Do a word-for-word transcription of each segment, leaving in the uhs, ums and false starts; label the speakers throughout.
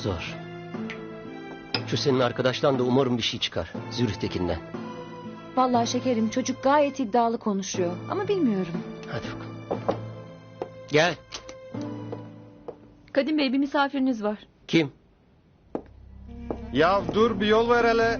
Speaker 1: Zor. Şu senin arkadaştan da umarım bir şey çıkar. Zürih'tekinden.
Speaker 2: Vallahi şekerim, çocuk gayet iddialı konuşuyor. Ama bilmiyorum.
Speaker 1: Hadi bakalım. Gel.
Speaker 3: Kadim Bey, bir misafiriniz var.
Speaker 1: Kim?
Speaker 4: Ya dur, bir yol ver hele.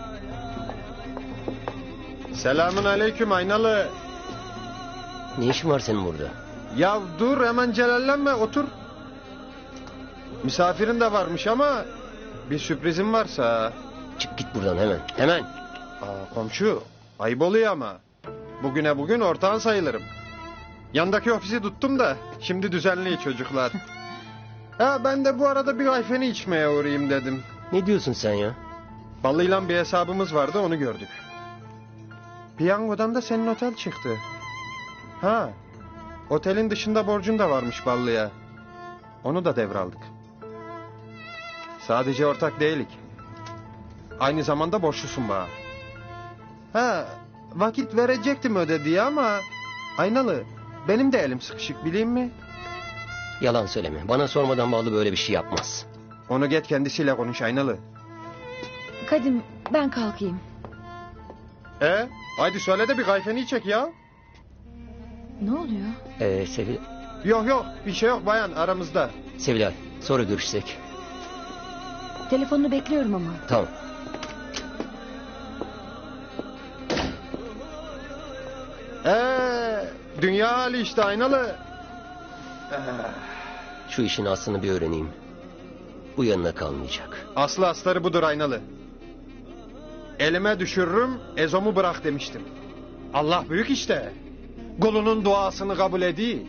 Speaker 4: Selamun aleyküm Aynalı.
Speaker 1: Ne işin var senin burada?
Speaker 4: Ya dur, hemen celallenme, otur. Misafirin de varmış ama bir sürprizim varsa.
Speaker 1: Çık git buradan hemen. Hemen.
Speaker 4: Aa, komşu, ayıp oluyor ama. Bugüne bugün ortağın sayılırım. Yandaki ofisi tuttum da şimdi düzenli çocuklar. Ha, ben de bu arada bir ayfeni içmeye uğrayayım dedim.
Speaker 1: Ne diyorsun sen ya?
Speaker 4: Ballı'yla bir hesabımız vardı, onu gördük. Piyangodan da senin otel çıktı. Ha, otelin dışında borcun da varmış Ballı'ya. Onu da devraldık. Sadece ortak değilik. Aynı zamanda borçlusun bana. Ha, vakit verecektim ödediği ama... Aynalı, benim de elim sıkışık, bileyim mi?
Speaker 1: Yalan söyleme. Bana sormadan Ballı böyle bir şey yapmaz.
Speaker 4: Onu get kendisiyle konuş Aynalı.
Speaker 2: Kadim, ben kalkayım.
Speaker 4: E, haydi söyle de bir kayfeni çek ya.
Speaker 2: Ne oluyor?
Speaker 1: Ee, Sevil...
Speaker 4: Yok yok, bir şey yok bayan, aramızda.
Speaker 1: Sevilay, sonra görüşsek.
Speaker 2: Telefonunu bekliyorum ama.
Speaker 1: Tamam.
Speaker 4: Ee, dünya hali işte Aynalı.
Speaker 1: Şu işin aslını bir öğreneyim. Bu yanına kalmayacak.
Speaker 4: Aslı astarı budur Aynalı. Elime düşürürüm, ezomu bırak demiştim. Allah büyük işte. Kulunun duasını kabul ediyor.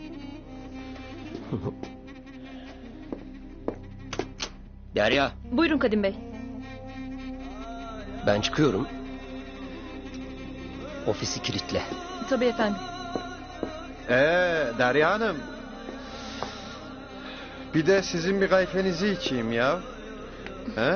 Speaker 1: Derya,
Speaker 3: Buyurun Kadim Bey.
Speaker 1: ben çıkıyorum. Ofisi kilitle.
Speaker 3: Tabii efendim.
Speaker 4: Ee, Derya Hanım. Bir de sizin bir kayfenizi içeyim ya. He?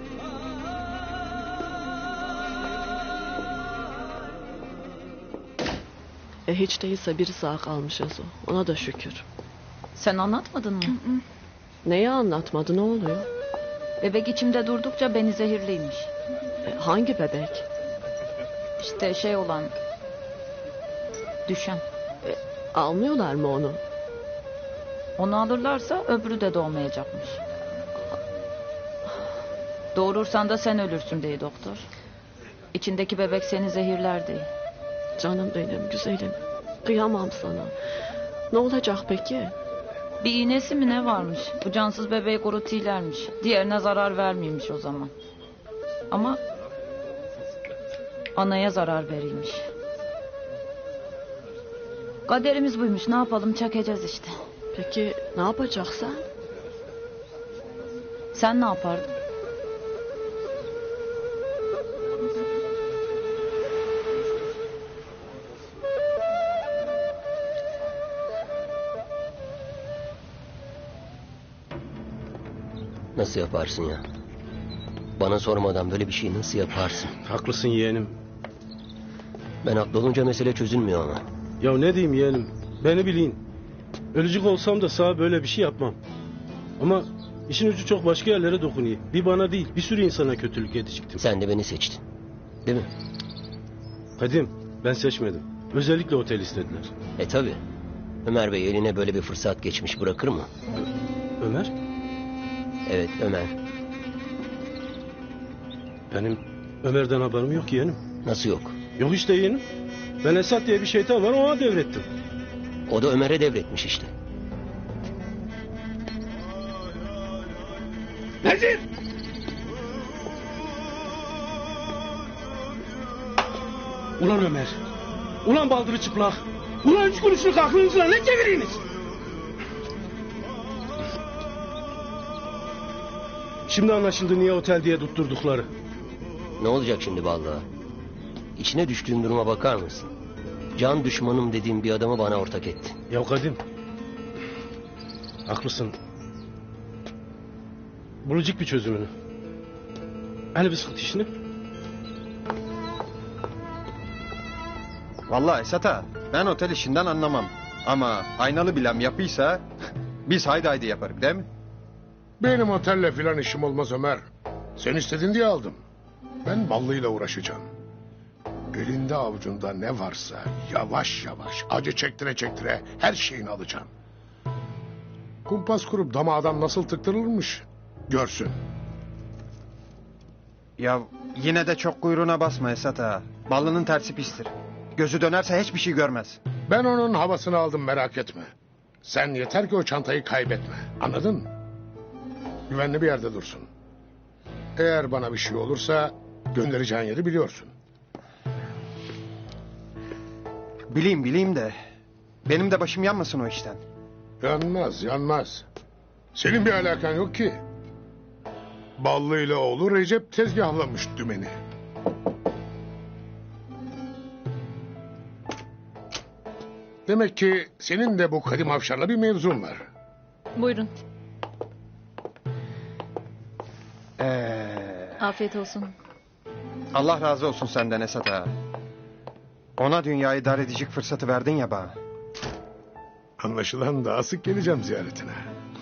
Speaker 5: E hiç değilse biri sağ kalmışız o. Ona da şükür.
Speaker 3: Sen anlatmadın mı?
Speaker 5: Neyi anlatmadı, ne oluyor?
Speaker 3: Bebek içimde durdukça beni zehirliymiş.
Speaker 5: E, hangi bebek?
Speaker 3: İşte şey olan... Düşen.
Speaker 5: E, almıyorlar mı onu?
Speaker 3: Onu alırlarsa öbürü de doğmayacakmış. Doğurursan da sen ölürsün diye doktor. İçindeki bebek seni zehirler diye.
Speaker 5: Canım benim, güzelim. Kıyamam sana. Ne olacak peki?
Speaker 3: Bir iğnesi mi ne varmış? Bu cansız bebeği kurutilermiş. Diğerine zarar vermiyormuş o zaman. Ama... anaya zarar verilmiş. Kaderimiz buymuş, ne yapalım, çekeceğiz işte.
Speaker 5: Peki ne yapacaksın?
Speaker 3: Sen ne yapardın?
Speaker 1: Nasıl yaparsın ya? Bana sormadan böyle bir şeyi nasıl yaparsın?
Speaker 6: Haklısın yeğenim.
Speaker 1: Ben haklı olunca mesele çözülmüyor ama.
Speaker 6: Ya ne diyeyim yeğenim? Beni bilin. Ölücük olsam da sana böyle bir şey yapmam. Ama işin ucu çok başka yerlere dokunuyor. Bir bana değil, bir sürü insana kötülük edecektim.
Speaker 1: Sen de beni seçtin. Değil mi?
Speaker 6: Kadim, ben seçmedim. Özellikle otel istediler.
Speaker 1: E tabi. Ömer Bey eline böyle bir fırsat geçmiş, bırakır mı?
Speaker 6: Ö- Ömer?
Speaker 1: Evet, Ömer.
Speaker 6: Benim Ömer'den haberim yok yeğenim.
Speaker 1: Nasıl yok?
Speaker 6: Yok işte yeğenim. Ben Esat diye bir şeytan var, ona devrettim.
Speaker 1: O da Ömer'e devretmiş işte.
Speaker 6: Nezir! Ulan Ömer! Ulan baldırı çıplak! Ulan üç kuruşluk aklınızla ne çeviriniz? Şimdi anlaşıldı niye otel diye tutturdukları.
Speaker 1: Ne olacak şimdi vallahi? İçine düştüğüm duruma bakar mısın? Can düşmanım dediğim bir adamı bana ortak etti.
Speaker 6: Ya Kadim. Haklısın. Bulacak bir çözümünü. Hani bir sıkıntı işini?
Speaker 4: Vallahi Esat ağa, ben otel işinden anlamam. Ama Aynalı bilem yapıysa biz haydi haydi yaparız değil mi?
Speaker 7: Benim otelle filan işim olmaz Ömer. Sen istedin diye aldım. Ben ballıyla uğraşacağım. Elinde avucunda ne varsa yavaş yavaş acı çektire çektire her şeyini alacağım. Kumpas kurup dama adam nasıl tıktırılmış görsün.
Speaker 4: Ya yine de çok kuyruğuna basma Esat ağa. Ballının tersi pistir. Gözü dönerse hiçbir şey görmez.
Speaker 7: Ben onun havasını aldım, merak etme. Sen yeter ki o çantayı kaybetme. Anladın mı? Güvenli bir yerde dursun. Eğer bana bir şey olursa göndereceğin yeri biliyorsun.
Speaker 4: Bileyim bileyim de benim de başım yanmasın o işten.
Speaker 7: Yanmaz, yanmaz. Senin bir alakan yok ki. Ballı ile oğlu Recep tezgahlamış dümeni. Demek ki senin de bu Kadim Avşar'la bir mevzun var.
Speaker 3: Buyurun.
Speaker 4: Ee,
Speaker 3: Afiyet olsun.
Speaker 4: Allah razı olsun senden Esat ağa. Ona dünyayı dar edecek fırsatı verdin ya bana.
Speaker 7: Anlaşılan daha sık geleceğim ziyaretine.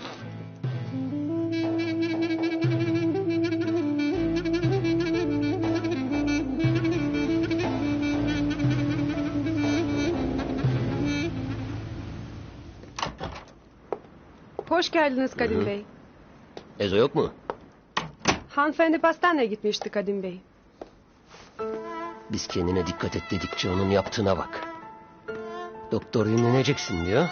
Speaker 8: Hoş geldiniz Kadim Bey.
Speaker 1: Ezo yok mu?
Speaker 8: Hanımefendi pastaneye gitmişti Kadim Bey.
Speaker 1: Biz kendine dikkat et dedikçe onun yaptığına bak. Doktor dinleneceksin diyor.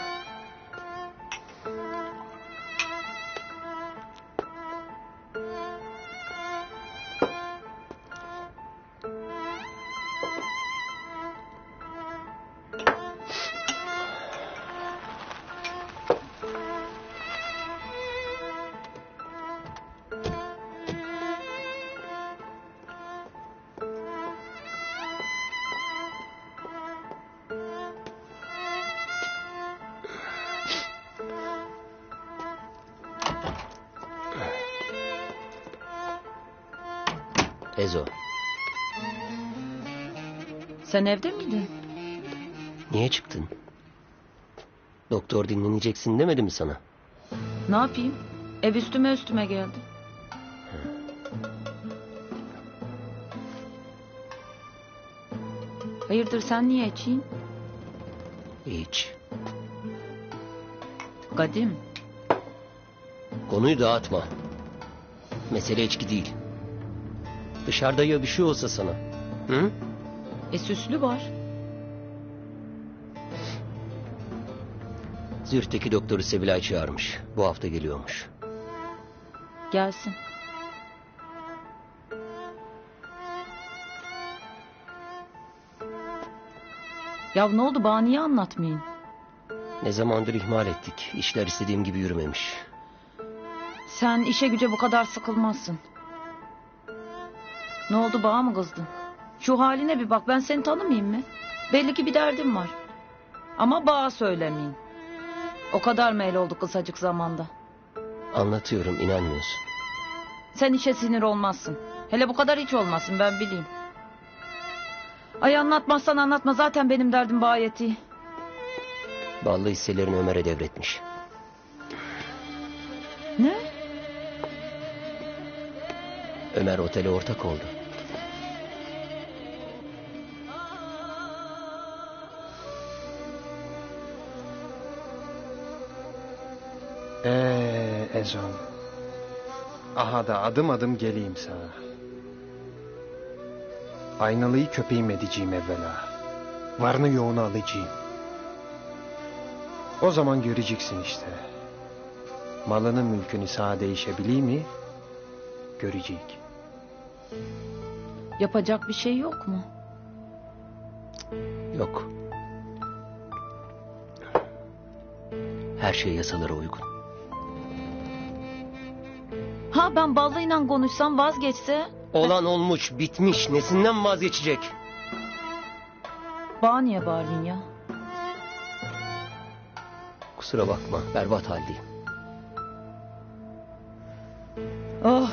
Speaker 1: Ezo,
Speaker 3: Sen evde miydin?
Speaker 1: niye çıktın? Doktor dinleneceksin demedi mi sana?
Speaker 3: Ne yapayım? Ev üstüme üstüme geldi. Hayırdır, sen niye içeyim?
Speaker 1: Hiç.
Speaker 3: Kadim,
Speaker 1: Konuyu dağıtma. Mesele içki değil. Dışarıda ya bir şey olsa sana? Hı?
Speaker 3: e süslü var.
Speaker 1: Zürt'teki doktoru Sevilay çağırmış. Bu hafta geliyormuş.
Speaker 3: Gelsin. Ya ne oldu, bana niye anlatmayın?
Speaker 1: Ne zamandır ihmal ettik. İşler istediğim gibi yürümemiş.
Speaker 3: Sen işe güce bu kadar sıkılmazsın. Ne oldu, bana mı kızdın? Şu haline bir bak, ben seni tanımayayım mı? Belli ki bir derdim var. Ama bana söylemeyin. O kadar meyil oldu kısacık zamanda.
Speaker 1: Anlatıyorum, inanmıyorsun.
Speaker 3: Sen işe sinir olmazsın. Hele bu kadar hiç olmasın, ben bileyim. Ay anlatmazsan anlatma, zaten benim derdim gayet iyi.
Speaker 1: Ballı hisselerini Ömer'e devretmiş.
Speaker 3: Ne?
Speaker 1: Ömer otele ortak oldu.
Speaker 4: Ee Ezon. Aha da adım adım geleyim sana. Aynalıyı köpeğim edeceğim evvela. Varını yoğunu alacağım. O zaman göreceksin işte. Malının mülkünü sağa değişebiliyor mi? Görecek.
Speaker 3: Yapacak bir şey yok mu?
Speaker 1: Yok. Her şey yasalara uygun.
Speaker 3: Ha, ben ballıyla konuşsam vazgeçse?
Speaker 1: Olan olmuş, bitmiş. Nesinden vazgeçecek?
Speaker 3: Bana niye bağırıyorsun ya?
Speaker 1: Kusura bakma, berbat haldeyim.
Speaker 3: Oh.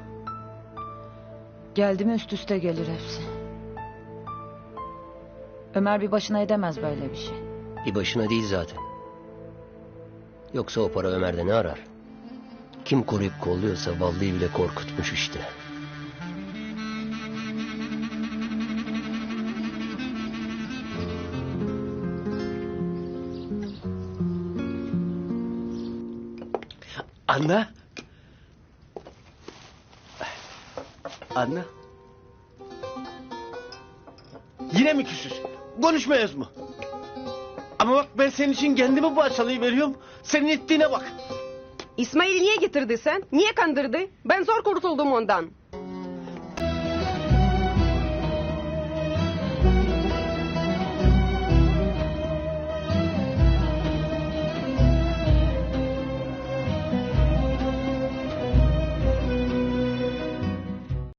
Speaker 3: Geldi mi üst üste gelir hepsi. Ömer bir başına edemez böyle bir şey.
Speaker 1: Bir başına değil zaten. Yoksa o para Ömer'de ne arar? Kim koruyup kolluyorsa vallahi bile korkutmuş işte.
Speaker 9: Anne. Anne. Yine mi küsüz? Konuşmayız mı? Ama bak ben senin için kendimi parçalayıveriyorum. Senin ettiğine bak.
Speaker 8: İsmail'i niye getirdi sen? Niye kandırdı? Ben zor kurtuldum ondan.